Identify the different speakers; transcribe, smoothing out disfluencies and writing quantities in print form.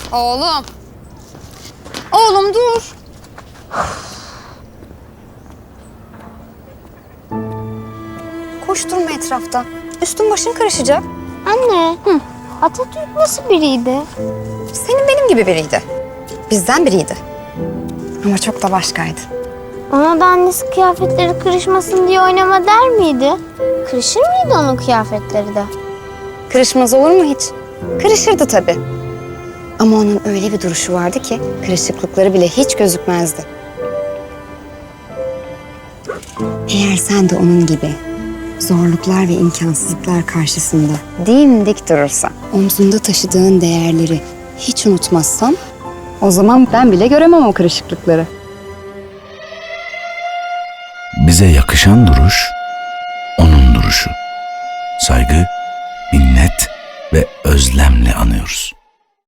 Speaker 1: Oğlum. Oğlum dur. Koşturma etrafta. Üstün başın karışacak.
Speaker 2: Anne, Atatürk nasıl biriydi?
Speaker 1: Senin benim gibi biriydi. Bizden biriydi. Ama çok da başkaydı.
Speaker 2: Ona da annesi kıyafetleri kırışmasın diye oynama der miydi? Kırışır mıydı onun kıyafetleri de?
Speaker 1: Kırışmaz olur mu hiç? Kırışırdı tabii. Ama onun öyle bir duruşu vardı ki kırışıklıkları bile hiç gözükmezdi. Eğer sen de onun gibi zorluklar ve imkansızlıklar karşısında dimdik durursan, omzunda taşıdığın değerleri hiç unutmazsan, o zaman ben bile göremem o kırışıklıkları.
Speaker 3: Bize yakışan duruş, onun duruşu. Saygı, minnet ve özlemle anıyoruz.